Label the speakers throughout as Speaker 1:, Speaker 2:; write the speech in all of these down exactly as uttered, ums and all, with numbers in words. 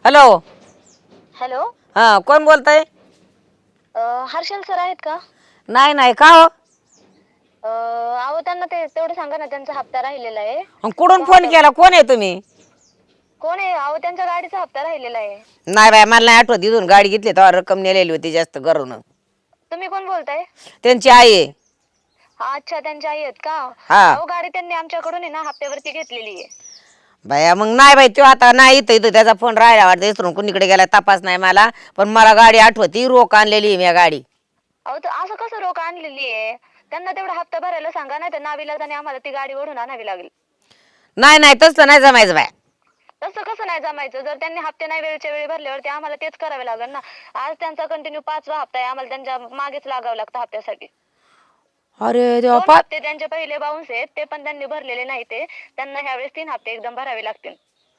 Speaker 1: Hello.
Speaker 2: Hello.
Speaker 1: हा, कोण बोलताय?
Speaker 2: हर्षल सर आहेत का?
Speaker 1: नाही नाही, का हो?
Speaker 2: अहो त्यांना ते तेवढं सांगा ना, त्यांचा हप्ता राहिलेला आहे.
Speaker 1: कुठून
Speaker 2: तो
Speaker 1: फोन
Speaker 2: हप्ता
Speaker 1: केला? कोण आहे तुम्ही?
Speaker 2: कोण आहे? अहो त्यांच्या गाडीचा हप्ता राहिलेला आहे.
Speaker 1: नाही बाय, मला नाही आठवत. इथून गाडी घेतली तेव्हा रक्कम नेलेली होती जास्त घरून.
Speaker 2: तुम्ही कोण बोलताय?
Speaker 1: त्यांची आई आहे.
Speaker 2: अच्छा, त्यांच्या आई आहेत का?
Speaker 1: हा.
Speaker 2: अहो गाडी त्यांनी आमच्याकडून आहे ना हप्त्यावरती घेतलेली आहे.
Speaker 1: बाया मग नाही बाई, तो आता नाही इथं इथं त्याचा फोन राहिला वाटतं, इसरून कुणीकडे गेला तपास नाही मला. पण मला गाडी आठवती, रोख आणलेली मी गाडी.
Speaker 2: अहो तर असं कसं रोख आणलेली आहे? त्यांना तेवढा हप्ता भरायला सांगा, नाही तर नाविलाजाने आम्हाला ती गाडी ओढून आणावी लागेल.
Speaker 1: नाही नाही, तसलं नाही जमायचं बाय.
Speaker 2: तसं कसं नाही जमायचं? जर त्यांनी हप्ते नाही वेळच्या वेळी भरल्यावरती आम्हाला तेच करावे लागेल ना. आज त्यांचा कंटिन्यू पाचवा हप्ता आहे, आम्हाला त्यांच्या मागेच लागावं लागतं हप्त्यासाठी.
Speaker 1: अरे देवा,
Speaker 2: दोन
Speaker 1: पा
Speaker 2: हप्ते त्यांचे पहिले बाउन्स आहेत, ते पण त्यांनी भरलेले नाही. ते त्यांना ह्यावेळेस तीन हप्ते एकदम भरावे लागतील.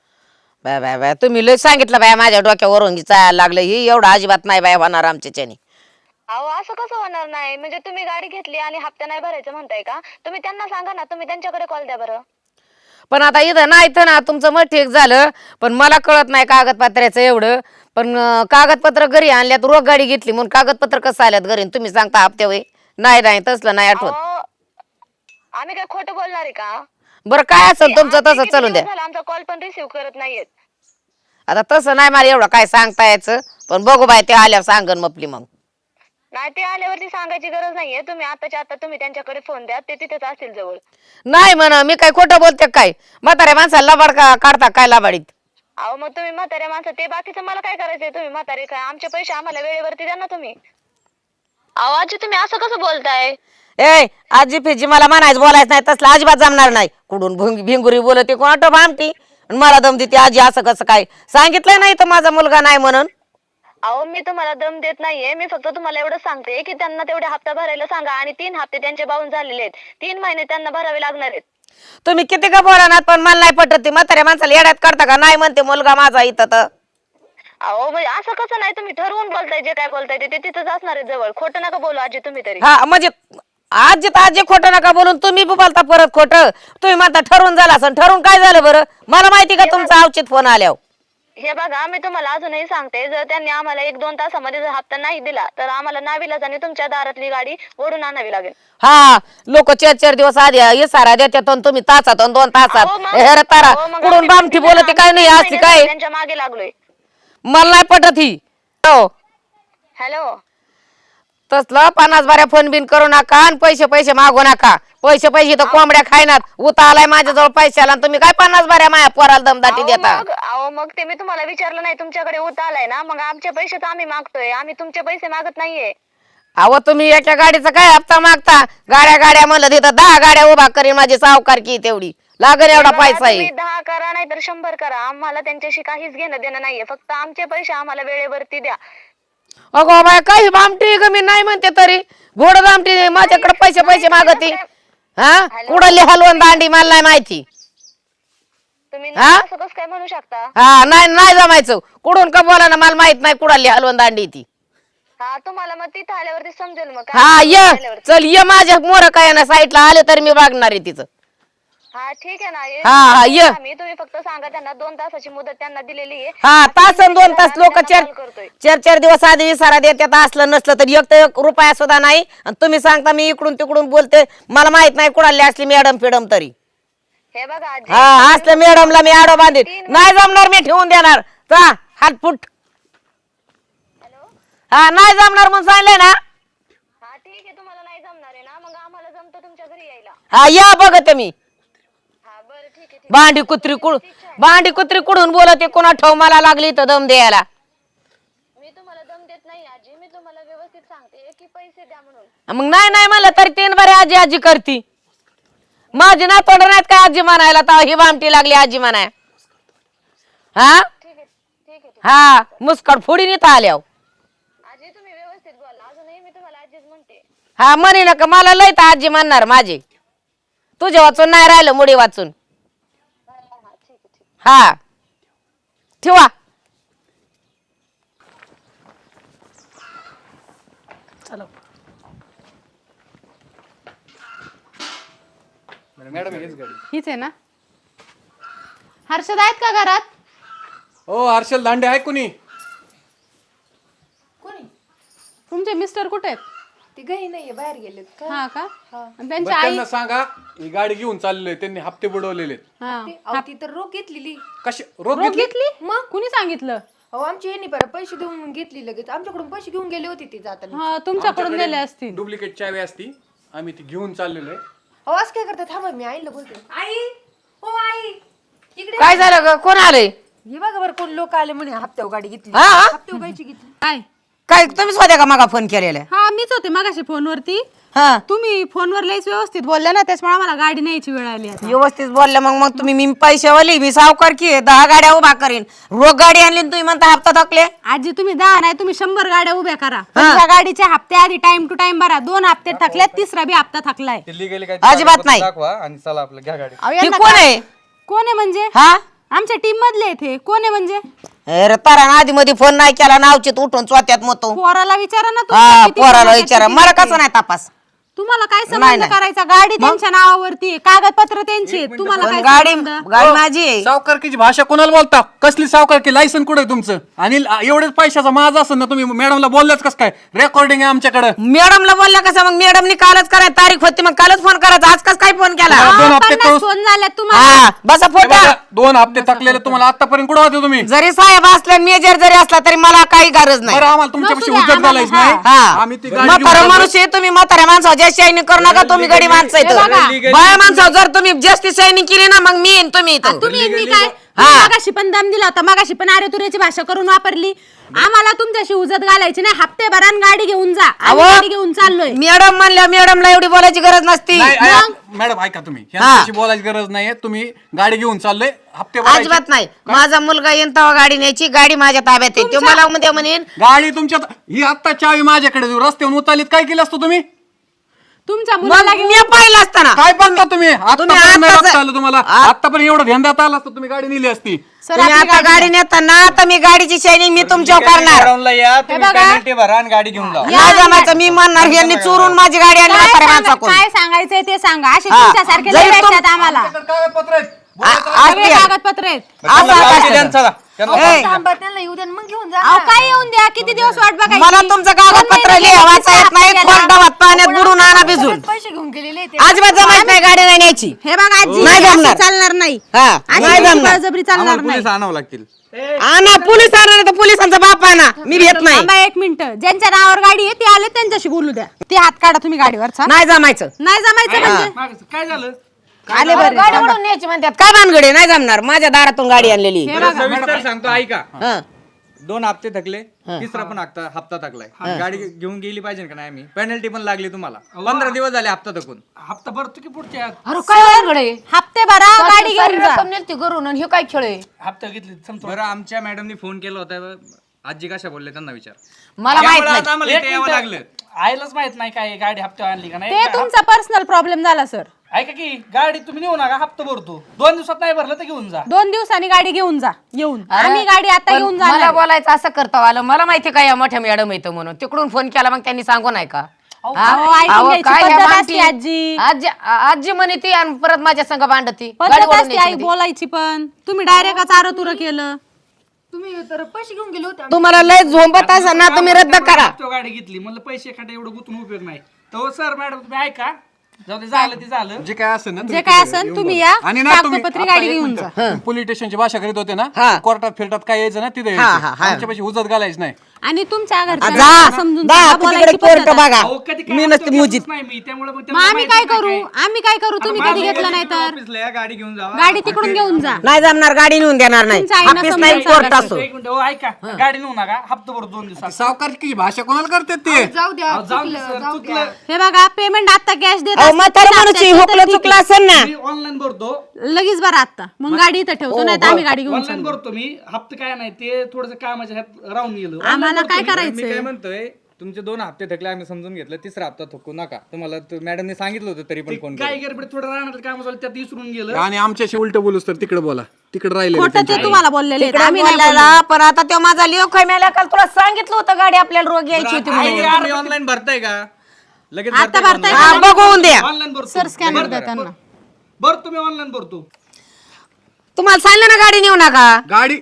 Speaker 1: बाय बाय बाय, तुम्ही लय सांगितलं बाय, माझ्या डोक्यावरून चालायला लागलं. ही एवढं अजिबात नाही बाय होणार आमच्याच्याने.
Speaker 2: अहो असं कसं होणार नाही? म्हणजे तुम्ही गाडी घेतली आणि हप्ता नाही भरायचं म्हणताय का? तुम्ही त्यांना सांगा ना, तुम्ही त्यांच्याकडे कॉल द्या बरं.
Speaker 1: पण आता इथं नाही तर ना, तुमचं मग ठीक झालं, पण मला कळत नाही कागदपत्राचं एवढं. पण अं, कागदपत्र घरी आणल्यात, रोख गाडी घेतली म्हणून कागदपत्र कसं आल्यात घरी? तुम्ही सांगता हप्त्या वय? नाही नाही, तसलं नाही आठवत.
Speaker 2: अहो आम्ही काय खोटं बोलणार आहे का?
Speaker 1: बरं काय
Speaker 2: ते
Speaker 1: असेल तुमचं
Speaker 2: आज ते
Speaker 1: तसं
Speaker 2: किती
Speaker 1: चालून द्या.
Speaker 2: दिवस झाला आमचा कॉल पण रिसीव्ह करत नाहीयेत.
Speaker 1: आता तसं नाही मला एवढं काय सांगता यायचं, पण बघू बाय, ते आल्यावर सांगन मपली मग.
Speaker 2: नाही, ते आल्यावरती सांगायची गरज नाहीये. तुम्ही आताच्या आता तुम्ही त्यांच्याकडे फोन द्या, ते तिथेच असतील जवळ.
Speaker 1: नाही म्हणा, मी काय खोटं बोलते काय? म्हाताऱ्या माणसाला लबाड का काढता काय लबाडीत?
Speaker 2: अहो मग तुम्ही म्हाताऱ्या माणसं, ते बाकीचं मला काय करायचंय? तुम्ही म्हातारे काय, आमचे पैसे आम्हाला वेळेवरती द्या ना तुम्ही. अहो आजी, तुम्ही असं कसं बोलताय?
Speaker 1: ए आजी फिजी मला म्हणायचं, बोलायचं नाही, तसलं अजिबात जमणार नाही. कुठून भुंग भिंगुरी बोलते, कोण भामटी मला दम देते आजी. असं कसं काय? सांगितलंय नाही तर माझा मुलगा नाही म्हणून.
Speaker 2: अहो मी तुम्हाला दम देत नाहीये, मी फक्त तुम्हाला एवढं सांगते की त्यांना तेवढे हप्ता भरायला सांगा. आणि तीन हप्ते त्यांचे बाउन्स झालेले आहेत, तीन महिने त्यांना भरावे लागणार आहेत.
Speaker 1: तुम्ही किती का बोला, पण मला नाही पटत. ती म्हाताऱ्या माणसाला येड्यात काढता का? नाही म्हणते मुलगा माझा इथं तर.
Speaker 2: अहो म्हणजे असं कसं नाही? तुम्ही ठरवून बोलताय, जे काय बोलताय ते तिथंच असणार आहे जवळ. खोटं नका बोलू आजी तुम्ही तरी.
Speaker 1: हा म्हणजे आजी तर आजी खोटं नका बोलून, तुम्ही बी बोलता परत खोटं. तुम्ही म्हणता ठरवून झालं असं. ठरवून काय झालं बरं? मला माहिती का तुमचा अवचित फोन आल्यावर?
Speaker 2: हे बघा, मी तुम्हाला अजूनही सांगते, जर त्यांनी आम्हाला एक दोन तासामध्ये जर हप्ता नाही दिला तर आम्हाला नाविलाजाने तुमच्या दारातली गाडी ओढून आणावी लागेल.
Speaker 1: हा, लोक चार चार दिवस आधी इसारा देतात, तुम्ही तासात दोन तासात.
Speaker 2: अहो मग
Speaker 1: हे रे तारा,
Speaker 2: अहो मग
Speaker 1: कुठून
Speaker 2: आम्ही पण
Speaker 1: बामठी
Speaker 2: दिलं ना,
Speaker 1: बोलते
Speaker 2: आम्ही
Speaker 1: काय नाही
Speaker 2: तीन
Speaker 1: असली
Speaker 2: महिने
Speaker 1: काय?
Speaker 2: झाले त्यांच्या मागे लागलोय.
Speaker 1: मला नाही पटत ही. हो,
Speaker 2: हॅलो.
Speaker 1: तसलं पन्नास बाऱ्या फोन बिन करू नका आणि पैसे पैसे मागू नका. पैसे पैसे तर
Speaker 2: अहो
Speaker 1: कोंबड्या खायनात. उता आलाय माझ्याजवळ पैशाला आणि तुम्ही काय पन्नास बाऱ्या माया पोराला दमदाटी
Speaker 2: अहो
Speaker 1: देता?
Speaker 2: मग अहो मग ते मी तुम्हाला विचारलं नाही, तुमच्याकडे उत आलाय ना, मग आमचे पैसे तर आम्ही मागतोय. आम्ही तुमचे पैसे मागत नाहीये.
Speaker 1: अहो तुम्ही एका गाडीचा काय हप्ता मागता? गाड्या गाड्या म्हणलं तिथं दहा गाड्या उभा करीन माझी सावकारकी, तेवढी लागेल
Speaker 2: हे
Speaker 1: एवढा
Speaker 2: बघा,
Speaker 1: पैसा आहे.
Speaker 2: तुम्ही दहा करा नाही तर शंभर करा, आम्हाला त्यांच्याशी काहीच घेणं देणं नाहीये. फक्त आमचे पैसे आम्हाला वेळेवरती द्या.
Speaker 1: अगो बाय, काही भामटी ग, मी नाही म्हणते तरी घोड भामटी माझ्याकडे पैसे
Speaker 2: नाही
Speaker 1: पैसे
Speaker 2: तुम्ही
Speaker 1: मागती.
Speaker 2: कसं काय?
Speaker 1: हा,
Speaker 2: हॅलो,
Speaker 1: कुडली हलवून दांडी मला नाही माहिती.
Speaker 2: तुम्ही
Speaker 1: हा
Speaker 2: नाही असं कसं काय म्हणू शकता?
Speaker 1: हा, नाही नाही जमायचं. कुठून का बोला ना, मला माहित नाही कुडाली हलवून दांडी ती.
Speaker 2: हा, तुम्हाला मग तिथं आल्यावरती समजेल. मग काय
Speaker 1: हा
Speaker 2: ते
Speaker 1: ये,
Speaker 2: वरती आल्यावरती.
Speaker 1: चल ये माझ्या मोर काय ना साईडला आले तर मी बघणार आहे तिचं.
Speaker 2: हा ठीक आहे ना, ये-
Speaker 1: हा हा
Speaker 2: येतो
Speaker 1: ये.
Speaker 2: आम्ही. तुम्ही फक्त सांगा त्यांना, दोन तासाची मुदत त्यांना दिलेली आहे.
Speaker 1: हा,
Speaker 2: आज तीन
Speaker 1: तासन
Speaker 2: महिने
Speaker 1: दोन
Speaker 2: झाले
Speaker 1: तास
Speaker 2: आम्ही
Speaker 1: लोक
Speaker 2: त्यांना
Speaker 1: चार
Speaker 2: कॉल करतोय.
Speaker 1: चार चार दिवस आधी इसारा देतात. असलं नसलं तर एक तर एक रुपया सुद्धा नाही. आणि तुम्ही सांगता मी इकडून तिकडून बोलते. मला माहित नाही कुडाली असली मॅडम फिडम तरी.
Speaker 2: हे बघा आजी,
Speaker 1: हा,
Speaker 2: तुम्ही
Speaker 1: असलं
Speaker 2: फक्त
Speaker 1: मॅडमला मी आडो बांधीन.
Speaker 2: तीन
Speaker 1: नाही
Speaker 2: महिने-
Speaker 1: जमणार, मी ठेवून देणार. जा हातफुट.
Speaker 2: हॅलो.
Speaker 1: हा, नाही जमणार म्हणून सांगले ना.
Speaker 2: हा ठीक आहे, तुम्हाला नाही जमणार आहे ना, मग आम्हाला जमतं तुमच्या घरी यायला.
Speaker 1: हा या बघते मी.
Speaker 2: हा बरं ठीक आहे, ठीक आहे.
Speaker 1: भांडी कुत्री कुड भांडी कुत्री कुडून बोलते, कोणा ठेव मला लागली तर दम द्यायला.
Speaker 2: मी तुम्हाला दम देत नाही आजी, मी तुम्हाला व्यवस्थित सांगते की पैसे द्या म्हणून.
Speaker 1: मग नाही नाही म्हणलं तरी तीन बरे आजी आजी करती. माझी ना तोंड नाहीत काय आजी म्हणायला, तर ही भामटी लागली आजी म्हणाय. हा
Speaker 2: ठीक आहे, ठीक आहे, ठीक आहे.
Speaker 1: हा, मुस्कट फोडीन इथं आल्यावर.
Speaker 2: आजी तुम्ही व्यवस्थित बोला, अजूनही मी तुम्हाला आजीच म्हणते.
Speaker 1: हा, म्हणे नका मला लय तर आजी म्हणणार माझी. तुझ्या वाचून नाही राहिलं, मुडी वाचून.
Speaker 2: हा हा, ठीक आहे, ठीक
Speaker 1: हा, ठेवा. चलो
Speaker 3: मॅडम हीच गाडी.
Speaker 4: हीच आहे ना? हर्षद आहेत का घरात?
Speaker 3: ओ हर्षल दांडे आहे कुणी?
Speaker 4: तुमचे मिस्टर कुठे आहेत?
Speaker 5: ते घरी नाहीये, बाहेर गेलेत का?
Speaker 4: हा का आणि
Speaker 3: बरं,
Speaker 4: त्यांची आई
Speaker 3: त्यांना सांगा ही गाडी घेऊन चाललेली आहे. त्यांनी हप्ते बुडवलेले आहेत.
Speaker 4: हा
Speaker 5: ते- अहो, ती तर रोख घेतलेली.
Speaker 3: कशी रोख
Speaker 4: रोख
Speaker 3: घेतली?
Speaker 4: घेतली मग कुणी सांगितलं?
Speaker 5: अहो आमची यांनी बरं पैसे देऊन घेतली लगेच. आमच्याकडून पैसे घेऊन गेले होते ती जाताना.
Speaker 4: हा तुमच्याकडून दिले असतील.
Speaker 3: डुप्लिकेट चावी असती, आम्ही ती घेऊन चाललेलो आहे.
Speaker 5: अहो असं काय करतात? थांबा मी आईला बोलते. आई, हो आई, इकडे
Speaker 1: काय झालं ग? कोण आलंय?
Speaker 5: हे बघा बरं कोण लोक आले म्हणे हप्त्यावर गाडी घेतली.
Speaker 1: हा, हा?
Speaker 5: हप्त्यावर गायची घेतली.
Speaker 4: काय
Speaker 1: काय तुम्हीच होत्या का मागा फोन केलेला?
Speaker 4: हा मीच होते मगाशी फोनवरती.
Speaker 1: हा
Speaker 4: तुम्ही फोनवर लईच व्यवस्थित बोलल्या ना, त्याच्यामुळे आम्हाला गाडी न्यायची वेळ आली आता.
Speaker 1: व्यवस्थित बोलले मग मग तुम्ही मी पैशावाली मी सावकार की दहा गाड्या उभा करीन. रोग गाडी आणली आणि तुम्ही म्हणता हप्ता थकले.
Speaker 4: आजी तुम्ही दहा नाही तुम्ही शंभर गाड्या उभ्या करा. तुमच्या गाडीचे हप्ते आधी टाइम टू टाइम भरा. दोन हप्ते थकल्यात, तिसरा बी हप्ता थकलाय.
Speaker 1: अजिबात नाही.
Speaker 6: दाखवा आणि चला आपलं घ्या गाडी.
Speaker 4: अहो,
Speaker 1: हे
Speaker 4: यांना
Speaker 1: कोण
Speaker 4: काय-
Speaker 1: आहे?
Speaker 4: कोण आहे म्हणजे?
Speaker 1: हा
Speaker 4: आमच्या टीम मधले आहेत हे. कोण आहे म्हणजे?
Speaker 1: अरे तारा आधी मध्ये फोन नाही केला नावचित उठून चोत्यात मतो.
Speaker 4: पोराला विचारा ना तुमच्या
Speaker 1: हा
Speaker 4: किती
Speaker 1: पोराला
Speaker 4: गुन्ह्यात
Speaker 1: विचारा,
Speaker 4: किती
Speaker 1: मला
Speaker 4: गुन्हे.
Speaker 1: कसं नाही तपास.
Speaker 4: तुम्हाला काय
Speaker 1: नाही,
Speaker 4: संबंध
Speaker 1: नाही.
Speaker 4: करायचा? गाडी त्यांच्या नावावरती आहे, कागदपत्र त्यांची आहेत. तुम्हाला
Speaker 1: पण
Speaker 4: काय
Speaker 1: गाडी
Speaker 4: संबंध?
Speaker 1: गाडी माझी आहे.
Speaker 3: सावकारकीची भाषा कोणाला बोलता? कसली सावकारकी? लायसन कुठे तुमचं? आणि ल- एवढेच पैशाचा माझा असेल ना, तुम्ही मॅडमला बोललाच कसं काय? रेकॉर्डिंग आहे आमच्याकडे.
Speaker 1: मॅडमला बोलला कसं मग? मॅडमनी कालच करायची तारीख होती, मग कालच फोन करायचा. आज कस काय फोन केला?
Speaker 3: हा, दोन हप्ते
Speaker 4: पन्नास
Speaker 3: कळूस-
Speaker 4: फोन झाल्यात तुम्हाला.
Speaker 1: हा बसा फोटा.
Speaker 3: दोन हप्ते थकलेले तुम्हाला आतापर्यंत कुठं होते तुम्ही?
Speaker 1: जरी साहेब असले मेजर जरी असला तरी मला काही गरज नाही.
Speaker 3: बरं आम्हाला तुमच्यापाशी
Speaker 4: नसू द्या,
Speaker 3: उजत घालायच
Speaker 4: आम्हाला-
Speaker 3: नाही.
Speaker 1: हा
Speaker 3: आम्ही ती गाडी
Speaker 1: म्हातारा
Speaker 3: घेऊन
Speaker 1: माणूस आहे तुम्ही, म्हाताऱ्या माणसावर जास्त शायनिंग करू नका. तुम्ही गडी माणसं
Speaker 4: हे बघा.
Speaker 1: इथं बाया माणसावर जर तुम्ही जास्ती शायनिंग केली ना मग मी येईन तुम्ही इथं.
Speaker 4: तुम्ही मी काय मागाशी पण दम दिला होता, मागाशी पण अरे तुऱ्याची भाषा करून वापरली. आम्हाला तुमच्याशी उजत घालायची नाही. हप्ते भरा आणि गाडी घेऊन जा. आम्ही
Speaker 1: अहो,
Speaker 4: गाडी घेऊन चाललोय.
Speaker 1: मॅडम म्हणल्या मॅडमला एवढी बोलायची गरज नसती.
Speaker 3: नाही, ऐ- मॅडम ऐका तुम्ही ह्यांच्याशी बोलायची गरज नाहीये. तुम्ही गाडी घेऊन चाललोय, हप्ते भरायचे.
Speaker 1: अजिबात नाही. माझा मुलगा येईन तेव्हा गाडी न्यायची. गाडी माझ्या ताब्यात आहे. तो मला उद्या म्हणेन
Speaker 3: गाडी तुमच्या ही आता चावी माझ्याकडे देऊ. रस्त्यावरून उतारलीत काय केलं असतं तुम्ही?
Speaker 4: तुमच्या
Speaker 1: मग
Speaker 4: मुलाला घेऊन
Speaker 1: मी पाहिलं असताना
Speaker 3: काय बघता तुम्ही? आतापर्यंत नाही
Speaker 1: आताच-
Speaker 3: बघता आलं तुम्हाला.
Speaker 1: आ-
Speaker 3: आतापर्यंत एवढं ध्यान देता आलं असतं तुम्ही गाडी नेली असती.
Speaker 4: सर,
Speaker 1: तुम्ही
Speaker 4: आपली
Speaker 1: आता
Speaker 4: गाडी
Speaker 1: गाडी नेताना तर मी गाडीची शायनिंग मी तुमच्यावर करणार.
Speaker 6: ग्राउंडला या, तुम्ही
Speaker 4: बघा.
Speaker 6: पेनल्टी भरा आणि गाडी घेऊन जा.
Speaker 1: नाही जमायचं. मी म्हणणार यांनी चोरून माझी गाडी आणली
Speaker 4: काय
Speaker 1: म्हाताऱ्या
Speaker 4: सांगा-
Speaker 1: माणसाकडून.
Speaker 4: काय सांगायचंय ते सांगा. असे
Speaker 1: हा.
Speaker 4: तुमच्यासारखे
Speaker 1: जरी
Speaker 4: लय
Speaker 1: तुम-
Speaker 4: भेटतात आम्हाला.
Speaker 3: आमच्याकडे कागदपत्र आहेत.
Speaker 1: आ- आज
Speaker 4: सगळे
Speaker 1: ते-
Speaker 4: कागदपत्र आहेत.
Speaker 1: असं
Speaker 6: गाडी
Speaker 1: असतं.
Speaker 6: द्या आणि चला. त्यांना
Speaker 1: ए,
Speaker 5: थांबा त्यांना येऊ द्या आणि मग घेऊन जा.
Speaker 4: अहो काय येऊन द्या, किती दिवस वाट बघायची?
Speaker 1: मला तुमचं कागदपत्र
Speaker 4: दोन महिने
Speaker 1: लिहा वाचा येत नाही.
Speaker 4: गेले.
Speaker 1: कोरडावात पाण्यात बुडून आणा भिजून.
Speaker 5: सगळेच पैसे घेऊन गेलेले ते.
Speaker 1: अजिबात जमायच नाही गाडी नाही न्यायची.
Speaker 4: हे बघा आजी,
Speaker 1: नाही
Speaker 4: असं
Speaker 1: जमणार.
Speaker 4: चालणार नाही.
Speaker 1: हा
Speaker 4: आणि
Speaker 1: नाही
Speaker 4: यांची
Speaker 1: जमणार.
Speaker 4: बळजबरी चालणार
Speaker 6: आम्हाला
Speaker 4: नाही.
Speaker 6: पोलीस आणावं लागतील.
Speaker 1: आणा पोलीस आणा नाही तर पोलिसांचा बाप आणा. मी भेट नाही.
Speaker 4: थांबा एक मिनिट. ज्यांच्या नावावर गाडी आहे ते आले त्यांच्याशी बोलू द्या. ते हात काढा तुम्ही गाडीवरचा.
Speaker 1: नाही जमायचं.
Speaker 4: नाही जमायचं म्हणजे
Speaker 7: काय झालं?
Speaker 1: आले बरं गाडी म्हणून न्यायची म्हणतात. काय भानगडे? नाही जमणार. माझ्या दारातून गाडी आणलेली.
Speaker 4: हे बघा.
Speaker 6: सविस्तर सांगतो ऐका.
Speaker 1: हा.
Speaker 6: दोन हप्ते थकले, तिसरा पण हप्ता हप्ता थकलाय. गाडी घेऊन गेली पाहिजे का नाही? आम्ही पेनल्टी पण लागली तुम्हाला. पंधरा दिवस झाले हप्ता थकून.
Speaker 7: हप्ता भरतो की पुढच्या
Speaker 1: अरे काय भानगडे?
Speaker 4: हप्ते भरा, गाडी घेऊन जा.
Speaker 1: रक्कम नेलती घरून आणि हे काय खेळ आहे?
Speaker 7: हप्ता घेतली समजा.
Speaker 6: बरं आमच्या मॅडमनी फोन केला होता. आजी कशा बोलले त्यांना विचार.
Speaker 1: मला माहित
Speaker 6: त्यामुळे
Speaker 1: नाही.
Speaker 6: आता आम्हाला इथे यावं लागलं.
Speaker 7: आईलाच माहित नाही काय गाडी हप्त्यावर आणली का नाही.
Speaker 4: ते तुमचा पर्सनल प्रॉब्लेम झाला सर.
Speaker 7: ऐका की गाडी तुम्ही नेऊ नका, हप्ता भरतो. दोन दिवसात नाही भरलं तर घेऊन जा.
Speaker 4: दोन दिवसांनी गाडी घेऊन जा. येऊन
Speaker 1: अरे,
Speaker 4: आम्ही गाडी आता
Speaker 1: पण
Speaker 4: घेऊन
Speaker 1: मला
Speaker 4: जाणार.
Speaker 1: बोलायचं असं करता आलं. मला माहिती काय या मोठ्या मॅडम येतं म्हणून तिकडून फोन केला मग त्यांनी सांगू नाही का?
Speaker 4: अहो,
Speaker 1: हा?
Speaker 4: ऐकून
Speaker 1: अहो,
Speaker 4: घ्यायची
Speaker 1: काय ह्या
Speaker 4: पद्धत
Speaker 1: माणती-
Speaker 4: असते, आजी.
Speaker 1: आजी आजी म्हणे ती आणि परत माझ्या संग भांडती.
Speaker 4: पद्धत
Speaker 1: गाडीवरून
Speaker 4: असते
Speaker 1: न्यायची
Speaker 4: आई
Speaker 1: म्हणते.
Speaker 4: बोलायची पण. तुम्ही डायरेक्ट चार तुर केलं.
Speaker 5: तुम्ही तर पैसे घेऊन गेले होते.
Speaker 1: तुम्हाला लय झोंबत असेल ना तुम्ही रद्द करा.
Speaker 7: हप्त्यावर गाडी घेतली म्हणलं पैसे खाटे एवढं गुंतून उपयोग नाही. तर सर मॅडम तुम्ही ऐका, जाऊ दे झालं ते झालं.
Speaker 3: जे काय असेल ना
Speaker 4: जे काय असेल तुम्ही या,
Speaker 3: आणि ना तुम्ही
Speaker 4: कागदपत्री
Speaker 3: आता
Speaker 4: गाडी
Speaker 3: एक
Speaker 4: घेऊन
Speaker 3: मिनिटं. तुम्ही पोलीस स्टेशनची भाषा करीत होते
Speaker 1: हा.
Speaker 3: ना, कोर्टात फिरतात काय यायचं ना तिथे
Speaker 1: हा, हा,
Speaker 3: यायचं.
Speaker 1: हा.
Speaker 3: आमच्यापाशी उजत घालायचं नाही.
Speaker 4: आणि तुमच्या
Speaker 1: आ,
Speaker 4: घरच्यांना
Speaker 1: जा
Speaker 4: समजून
Speaker 1: जा
Speaker 4: सांगा,
Speaker 1: तिकडे
Speaker 4: बोलायची
Speaker 1: कोर्ट
Speaker 4: पद्धत आहे.
Speaker 1: बघा.
Speaker 7: अहो, कधी काय
Speaker 1: मी
Speaker 7: हप्ता
Speaker 1: नसते
Speaker 7: घेतलंच
Speaker 1: मुजीत.
Speaker 7: नाही मी, त्यामुळे मग
Speaker 4: मग
Speaker 7: त्यांना
Speaker 4: आम्ही
Speaker 7: माहिती
Speaker 4: काय
Speaker 7: नाही
Speaker 4: करू? आम्ही काय करू? तुम्ही कधी घेतलं नाही तर
Speaker 6: ऑफिसला या, गाडी घेऊन जावा.
Speaker 4: गाडी तिकडून घेऊन जा.
Speaker 1: नाही जमणार. गाडी नेऊन देणार नाही.
Speaker 4: तुमच्या आईनं
Speaker 1: ऑफिस
Speaker 4: समजून
Speaker 1: नाही कोर्ट
Speaker 4: सांगायचं.
Speaker 1: असो.
Speaker 7: एक मिनिट, हो ऐका, गाडी नेऊ नका, हप्ता भरतो दोन दिवसात.
Speaker 3: सावकारकीची भाषा कोणाला करतात ते?
Speaker 5: जाऊ द्या,
Speaker 7: अहो, जाऊ दे
Speaker 5: चुकलं,
Speaker 7: सर,
Speaker 5: जाऊ द्या.
Speaker 7: चुकलं.
Speaker 4: हे बघा पेमेंट आता कॅश देत
Speaker 1: अहो
Speaker 4: असतात,
Speaker 1: म्हातारा
Speaker 4: ते
Speaker 1: माणूस
Speaker 4: हप्त्याचं
Speaker 1: हुकलं
Speaker 4: तर ठीक
Speaker 1: चुकलं असेल ना.
Speaker 7: मी ऑनलाईन भरतो.
Speaker 4: आहे. लगेच बरं आता मग गाडी इथं ठेवतो नाही तर आम्ही गाडी घेऊन
Speaker 7: ऑनलाईन
Speaker 4: चाललो.
Speaker 7: भरतो मी. हप्ता काय नाही ते थोडस कामाच्या ह्यात राहून गेलो.
Speaker 4: आम्हाला काय
Speaker 6: मी काय
Speaker 4: करायचंय?
Speaker 6: म्हणतोय, तुमचे दोन हप्ते थकले आम्ही समजून घेतलं, तिसरा हप्ता थकू नका. तुम्हाला मॅडमने सांगितलं होतं तरी पण फोन
Speaker 7: काय गडबड थोडं राहणार काम झालं त्यात विसरून गेलं.
Speaker 3: आणि आमच्याशी उलट बोलूस तर तिकडे बोला. तिकडे राहिले
Speaker 4: खोटं ते तुम्हाला बोललेले आहेत.
Speaker 1: तिकडे
Speaker 4: आम्ही नाही
Speaker 1: बोलायला पण आता तो माझा लिओ खैम्याला काल तुला सांगितलं होतं गाडी आपल्याला रोग यायची होती म्हणून.
Speaker 6: तुम्ही ऑनलाईन भरताय का? लगेच
Speaker 4: आता
Speaker 6: भरताय
Speaker 4: भरताय
Speaker 6: का
Speaker 1: हा, बघून द्या.
Speaker 7: ऑनलाईन भरतो.
Speaker 4: सर स्कॅनर द्या त्यांना.
Speaker 7: भरतो मी ऑनलाईन भरतो.
Speaker 1: तुम्हाला सांगितलं ना गाडी नेऊ नका.
Speaker 3: गाडी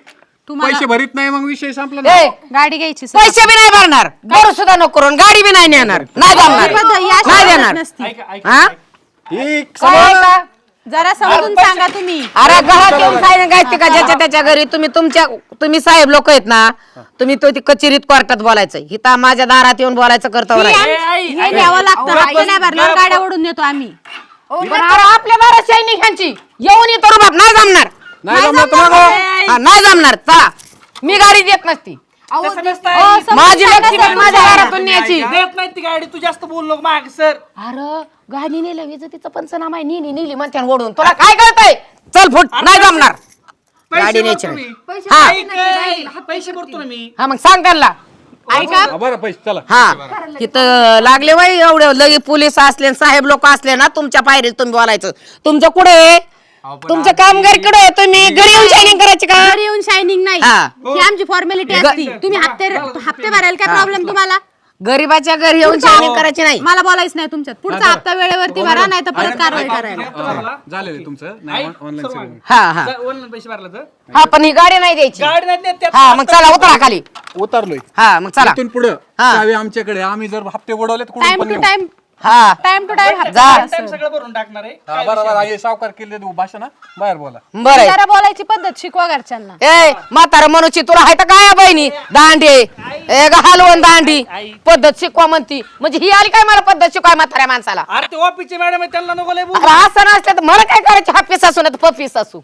Speaker 3: पैसे भरीत नाही मग विषय संपला ना.
Speaker 1: ए,
Speaker 4: गाडी घ्यायची सर.
Speaker 1: पैसे बी नाही भरणार करू सुद्धा नको करून गाडी बी नाही नेणार नाही जमणार
Speaker 4: ही पद्धत- ही अशी
Speaker 1: नाही
Speaker 4: पद्धत
Speaker 1: देणार
Speaker 4: नसती.
Speaker 7: ऐका ऐका
Speaker 1: हा
Speaker 3: ठीक
Speaker 1: काय आहे का?
Speaker 4: जरा समजून सांगा तुम्ही.
Speaker 1: अरे घरात येऊन सांगायचं का ज्याच्या त्याच्या घरी तुम्ही तुमच्या तुम्ही साहेब लोक आहेत ना तुम्ही तो ती कचेरीत कोर्टात बोलायचं हिता माझ्या दारात येऊन बोलायचं करतो
Speaker 4: हे
Speaker 1: नाही.
Speaker 4: आम-
Speaker 7: आई,
Speaker 4: हे द्यावं लागतं हप्ते नाही भरल्यावर गाड्या ओढून देतो आम्ही.
Speaker 1: पण अरे आपल्या दारात सैनिकांची येऊन येतो रे बाप नाही जमणार
Speaker 3: नाही जमलं तर मग
Speaker 1: हा, नाही जमणार चला मी गाडी देत नसती
Speaker 7: तसं नसतं
Speaker 4: हो,
Speaker 7: आई.
Speaker 4: समजून
Speaker 1: माझी
Speaker 4: सांगा
Speaker 1: लक्ष्मी
Speaker 4: समजून
Speaker 1: माझ्या
Speaker 4: सांगा.
Speaker 1: घरातून न्यायची
Speaker 7: देत नाही ती गाडी तू जास्त बोल नको माग सर
Speaker 1: अरे गाडी नेलं विजतीचं पंचनामा आहे नेली नेली म्हणते आणि ओढून तुला काय कळतंय चल फुट नाही जमणार गाडी न्यायची नाही. हा
Speaker 7: पैसे भरतो ना मी
Speaker 1: हा मग सांग त्यांना
Speaker 4: ऐका
Speaker 3: हा, बरं पैसे चला
Speaker 1: हा तिथं लागले बाई एवढे लगे पोलीस असले आणि साहेब लोक असले ना तुमच्या पायरीत तुम्ही बोलायचं तुमचं कुठे आहे तुमचं कामगार कडे आहे तुम्ही घरी येऊन शायनिंग करायची का
Speaker 4: घरी येऊन शायनिंग नाही
Speaker 1: हा.
Speaker 4: ही आमची फॉर्मॅलिटी असती. तुम्ही हप्ते हप्ते भरायला काय प्रॉब्लेम तुम्हाला?
Speaker 1: गरीबाच्या घरी येऊन शायनिंग करायची नाही
Speaker 4: मला बोलायच नाही तुमच्यात. पुढचा हप्ता वेळेवरती भरा नाही तर परत कारवाई करायला.
Speaker 3: झालेलं आहे तुमचं नाही ऑनलाईन सेवा
Speaker 1: हा हा
Speaker 7: ऑनलाईन पैसे भरला तर
Speaker 1: हा पण ही गाडी नाही द्यायची
Speaker 7: गाडी नाही देत त्यात
Speaker 1: हा मग चला उतरा खाली
Speaker 3: उतरलोय
Speaker 1: हा मग चला
Speaker 3: इथून पुढं
Speaker 1: हा.
Speaker 3: चावी आमच्याकडे आम्ही जर हप्ते उडवले तर कुठून
Speaker 4: टाइम
Speaker 3: पण
Speaker 4: टू
Speaker 3: नेऊ.
Speaker 4: टाइम
Speaker 1: हा
Speaker 4: टाइम टू टाइम
Speaker 1: जा
Speaker 7: टाइम सगळं भरून टाकणार आहे
Speaker 3: हा, बरोबर आहे सावकार केले भाषा ना बाहेर बोला
Speaker 1: बरं आहे.
Speaker 4: जरा बोलायची पद्धत शिकवा घरच्यांना.
Speaker 1: ए म्हातारा मनुष्य तुला हाय तर काय बहिणी दांडी ए ग हलवून दांडी पद्धत शिकवा म्हणती म्हणजे ही आली काय मला पद्धत शिकवाय म्हाताऱ्या माणसाला
Speaker 7: अरे ते ऑफिसचे मॅडम आहे त्यांना नको लय बोलू.
Speaker 1: अरे असं नसलं तर मला काय करायचं हापीस असू ना तर पपीस असू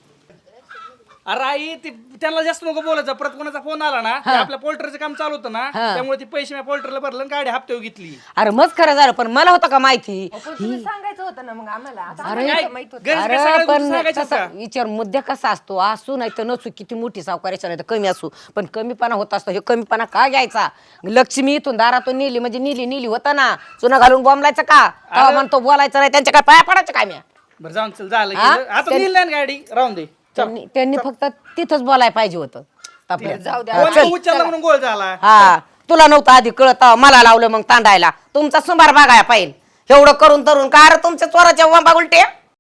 Speaker 7: अरे आई ती त्यांना जास्त नको बोलायचं परत कोणाचा फोन आला ना ते आपल्या पोल्टरचं काम चालू होतं ना त्यामुळे ती पैसे मी पोल्टरला भरलं आणि गाडी हप्त्यावर घेतली
Speaker 1: अरे मग खरं झालं पण मला होतं का माहिती
Speaker 5: तुम्ही सांगायचं होतं ना मग आम्हाला आता
Speaker 1: अरे
Speaker 5: आम्हाला माहित होतं.
Speaker 7: घरी काय
Speaker 1: अरे
Speaker 7: सगळ्या
Speaker 1: पण
Speaker 7: गोष्टी सांगायच्या
Speaker 1: कसा
Speaker 7: का?
Speaker 1: विचार मुद्दा कसा असतो असू नाही तर नसू किती मोठी सावकाराच्या नाही तर कमी असू पण कमीपणा होत असतो हे कमीपणा का घ्यायचा लक्ष्मी इथून दारातून नेली म्हणजे नेली नेली होता ना चुना घालून बोंबलायचं का तेव्हा म्हणतो बोलायचं नाही त्यांच्या काय पाया पडायचं काय मी
Speaker 7: बरं जाऊन चल झालं
Speaker 1: हा?
Speaker 7: गेलं. आता नेली ना गाडी राहून दे
Speaker 1: त्यांनी त्यांनी फक्त तिथंच बोलायला पाहिजे होतं आपल्या.
Speaker 5: जाऊ द्या
Speaker 1: हा,
Speaker 7: फोन
Speaker 1: चल.
Speaker 7: उचलला म्हणून गोळ झाला
Speaker 1: हा तुला नव्हतं आधी कळत मला लावलं मग तांडायला तुमचा सुंबार बघायला पाहिजे एवढं करून तरून का अरे तुमच्या चोराच्या वंबा उलटे